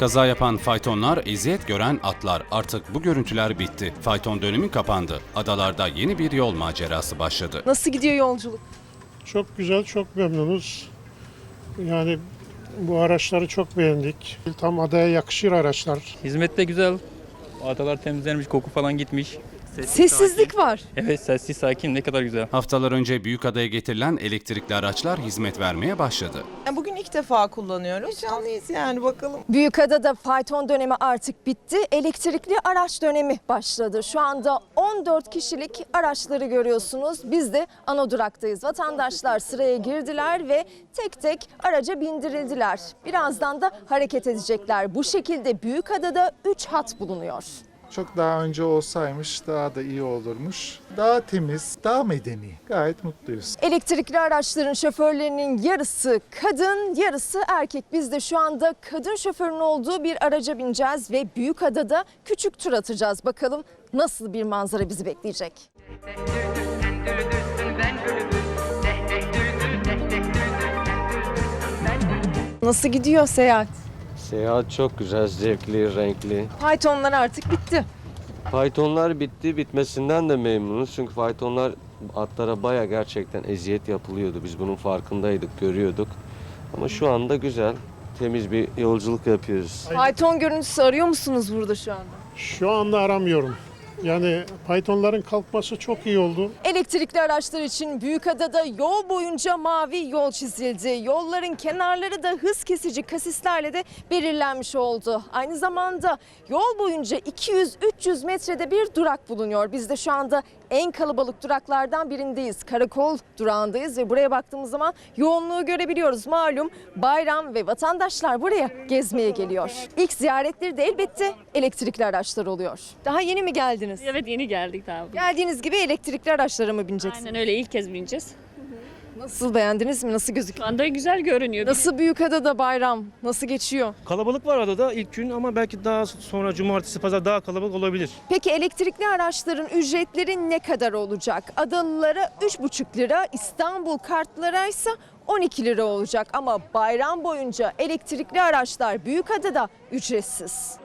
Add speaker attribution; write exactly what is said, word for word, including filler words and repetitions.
Speaker 1: Kaza yapan faytonlar, eziyet gören atlar. Artık bu görüntüler bitti. Fayton dönemi kapandı. Adalarda yeni bir yol macerası başladı.
Speaker 2: Nasıl gidiyor yolculuk?
Speaker 3: Çok güzel, çok memnunuz. Yani bu araçları çok beğendik. Tam adaya yakışır araçlar.
Speaker 4: Hizmet de güzel. Adalar temizlenmiş, koku falan gitmiş. Sessiz,
Speaker 2: Sessizlik
Speaker 4: sakin.
Speaker 2: var.
Speaker 4: Evet, sessiz sakin, ne kadar güzel.
Speaker 1: Haftalar önce Büyükada'ya getirilen elektrikli araçlar hizmet vermeye başladı.
Speaker 5: Bugün ilk defa kullanıyoruz. Canlıyız yani, bakalım.
Speaker 2: Büyükada'da fayton dönemi artık bitti. Elektrikli araç dönemi başladı. Şu anda on dört kişilik araçları görüyorsunuz. Biz de ana duraktayız. Vatandaşlar sıraya girdiler ve tek tek araca bindirildiler. Birazdan da hareket edecekler. Bu şekilde Büyükada'da üç hat bulunuyor.
Speaker 6: Çok daha önce olsaymış daha da iyi olurmuş. Daha temiz, daha medeni. Gayet mutluyuz.
Speaker 2: Elektrikli araçların şoförlerinin yarısı kadın, yarısı erkek. Biz de şu anda kadın şoförün olduğu bir araca bineceğiz ve Büyükada'da küçük tur atacağız. Bakalım nasıl bir manzara bizi bekleyecek. Nasıl gidiyor seyahat?
Speaker 7: Seyahat çok güzel, zevkli, renkli.
Speaker 2: Faytonlar artık bitti.
Speaker 7: Faytonlar bitti, bitmesinden de memnunuz. Çünkü faytonlar atlara baya gerçekten eziyet yapılıyordu. Biz bunun farkındaydık, görüyorduk. Ama şu anda güzel, temiz bir yolculuk yapıyoruz.
Speaker 2: Fayton görüntüsü arıyor musunuz burada şu anda?
Speaker 3: Şu anda aramıyorum. Yani faytonların kalkması çok iyi oldu.
Speaker 2: Elektrikli araçlar için Büyükada'da yol boyunca mavi yol çizildi. Yolların kenarları da hız kesici kasislerle de belirlenmiş oldu. Aynı zamanda yol boyunca iki yüz üç yüz metrede bir durak bulunuyor. Biz de şu anda en kalabalık duraklardan birindeyiz. Karakol durağındayız ve buraya baktığımız zaman yoğunluğu görebiliyoruz. Malum bayram ve vatandaşlar buraya gezmeye geliyor. İlk ziyaretleri de elbette elektrikli araçlar oluyor. Daha yeni mi geldiniz?
Speaker 8: Evet, yeni geldik daha.
Speaker 2: Geldiğiniz gibi elektrikli araçlara mı bineceksiniz?
Speaker 8: Aynen öyle, ilk kez bineceğiz.
Speaker 2: Nasıl, beğendiniz mi? Nasıl
Speaker 8: Şu
Speaker 2: gözüküyor?
Speaker 8: anda güzel görünüyor.
Speaker 2: Nasıl Büyükada'da bayram? Nasıl geçiyor?
Speaker 9: Kalabalık var adada ilk gün ama belki daha sonra cumartesi, pazar daha kalabalık olabilir.
Speaker 2: Peki elektrikli araçların ücretleri ne kadar olacak? Adalılara üç buçuk lira, İstanbul kartlara ise on iki lira olacak. Ama bayram boyunca elektrikli araçlar Büyükada'da ücretsiz.